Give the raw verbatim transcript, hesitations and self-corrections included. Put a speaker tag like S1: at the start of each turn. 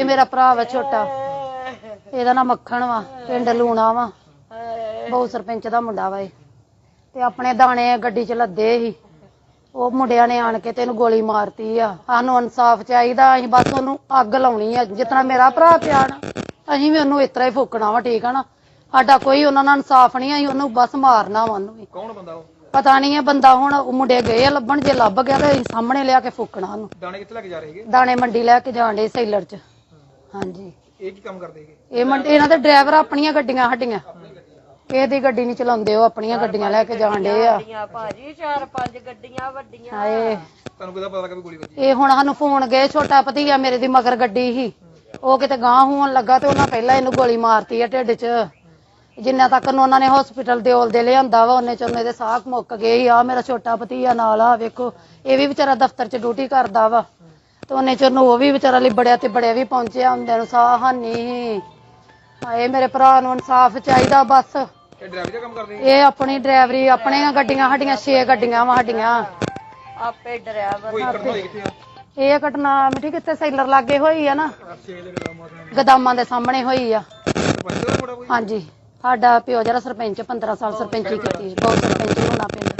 S1: ਇਹ ਮੇਰਾ ਭਰਾ ਵਾ ਛੋਟਾ, ਇਹਦਾ ਨਾਮ ਮੱਖਣ ਵਾ, ਪਿੰਡ ਲੂਣਾ ਵਾ, ਬਹੁ ਸਰਪੰਚ ਦਾ ਮੁੰਡਾ ਵਾ ਇਹ। ਤੇ ਆਪਣੇ ਦਾਣੇ ਗੱਡੀ ਚ ਲੱਦੇ ਸੀ, ਉਹ ਮੁੰਡਿਆਂ ਨੇ ਆਣ ਕੇ ਤੈਨੂੰ ਗੋਲੀ ਮਾਰਤੀ ਆ। ਸਾਨੂੰ ਇਨਸਾਫ ਚਾਹੀਦਾ, ਅਸੀਂ ਬਸ ਉਹਨੂੰ ਅੱਗ ਲਾਉਣੀ ਆ। ਜਿਤਨਾ ਮੇਰਾ ਭਰਾ ਪਿਆ ਨਾ, ਅਸੀਂ ਵੀ ਉਹਨੂੰ ਇਸ ਤਰ੍ਹਾਂ ਹੀ ਫੂਕਣਾ ਵਾ, ਠੀਕ ਆ ਨਾ। ਸਾਡਾ ਕੋਈ ਉਹਨਾਂ ਨਾਲ ਇਨਸਾਫ ਨਹੀਂ, ਅਸੀਂ ਉਹਨੂੰ ਬਸ ਮਾਰਨਾ ਵਾ। ਉਹਨੂੰ ਵੀ
S2: ਕੌਣ ਬੰਦਾ ਉਹ
S1: ਪਤਾ ਨਹੀਂ ਹੈ ਬੰਦਾ, ਹੁਣ ਮੁੰਡੇ ਗਏ ਆ ਲੱਭਣ, ਜੇ ਲੱਭ ਗਿਆ ਤੇ ਅਸੀਂ ਸਾਹਮਣੇ ਲਿਆ ਕੇ ਫੂਕਣਾ ਉਹਨੂੰ।
S2: ਦਾਣੇ ਕਿੱਥੇ ਲੈ ਕੇ ਜਾ ਰਹੇ ਹੈਗੇ?
S1: ਦਾਣੇ ਮੰਡੀ ਲੈ ਕੇ ਜਾਣ ਡੇ ਸੈਲਰ ਚ। ਹਾਂਜੀ
S2: ਇਹ ਕੀ ਕੰਮ ਕਰਦੇ ਹੈਗੇ?
S1: ਇਹ ਮੰਡੀ, ਇਹਨਾਂ ਦੇ ਡਰਾਈਵਰ ਆਪਣੀਆਂ ਗੱਡੀਆਂ ਸਾਡੀਆਂ, ਇਹਦੀ ਗੱਡੀ ਨਹੀਂ ਚਲਾਉਂਦੇ, ਉਹ ਆਪਣੀਆਂ ਗੱਡੀਆਂ ਲੈ ਕੇ ਜਾਣ ਡੇ ਆ
S3: ਭਾਜੀ। ਚਾਰ ਪੰਜ ਗੱਡੀਆਂ ਵੱਡੀਆਂ।
S1: ਹਾਏ
S2: ਤੁਹਾਨੂੰ ਕਿਹਦਾ ਪਤਾ ਲੱਗਾ ਵੀ ਗੋਲੀ ਵੱਜੀ?
S1: ਇਹ ਹੁਣ ਸਾਨੂੰ ਫੋਨ ਗਏ, ਛੋਟਾ ਭਤੀਆ ਮੇਰੇ ਦੀ ਮਗਰ ਗੱਡੀ ਸੀ, ਉਹ ਕਿਤੇ ਗਾਂਹ ਹੋਣ ਲੱਗਾ ਤੇ ਉਹਨਾਂ ਪਹਿਲਾਂ ਇਹਨੂੰ ਗੋਲੀ ਮਾਰਤੀ ਆ ਢਿੱਡ ਚ। ਜਿੰਨਾ ਤੱਕ ਨੂੰ ਉਹਨਾਂ ਨੇ ਹਸਪੀਟਲ ਦੇ ਔਲ ਦੇ ਲਿਆਂਦਾ ਵਾ, ਉਹਨੇ ਚ ਉਹਨੇ ਦੇ ਸਾਹ ਮੁੱਕ ਗਏ ਸੀ। ਆ ਮੇਰਾ ਛੋਟਾ ਭਤੀਆ ਨਾਲ ਆ ਵੇਖੋ, ਇਹ ਵੀ ਵਿਚਾਰਾ ਦਫ਼ਤਰ ਚ ਡਿਊਟੀ ਕਰਦਾ ਵਾ, ਤੇ ਉਹਨੇ ਚ ਉਹਨੂੰ ਉਹ ਵੀ ਵਿਚਾਰਾ ਲਿਬੜਿਆ ਤੇ ਬੜਿਆ ਵੀ ਪਹੁੰਚਿਆ ਹੁੰਦਿਆਂ ਨੂੰ ਸਾਹ ਹਾਨੀ। ਹਾਏ ਮੇਰੇ ਭਰਾ ਨੂੰ ਇਨਸਾਫ ਚਾਹੀਦਾ ਬਸ।
S2: ਇਹ ਡਰਾਈਵਰ ਦਾ ਕੰਮ ਕਰਦੇ?
S1: ਇਹ ਆਪਣੀ ਡਰਾਈਵਰੀ, ਆਪਣੀਆਂ ਗੱਡੀਆਂ ਸਾਡੀਆਂ ਛੇ ਗੱਡੀਆਂ ਵਾ ਸਾਡੀਆਂ।
S3: ਆਪੇ ਡਰਾਈਵਰ।
S2: ਕੋਈ ਘਟਨਾ ਹੋਈ ਕਿੱਥੇ ਆ?
S1: ਇਹ ਘਟਨਾ ਮਿੱਠੀ ਕਿੱਥੇ ਸੈਲਰ ਲਾਗੇ ਹੋਈ ਆ ਨਾ, ਗਦਾਮਾਂ ਦੇ ਸਾਹਮਣੇ ਹੋਈ ਆ। ਹਾਂਜੀ ਸਾਡਾ ਪਿਓ ਜਿਹੜਾ ਸਰਪੰਚ ਪੰਦਰਾਂ ਸਾਲ ਸਰਪੰਚੀ ਕੀਤੀ, ਬਹੁਤ ਸਰਪੰਚ ਹੋਣਾ ਪਿੰਡ।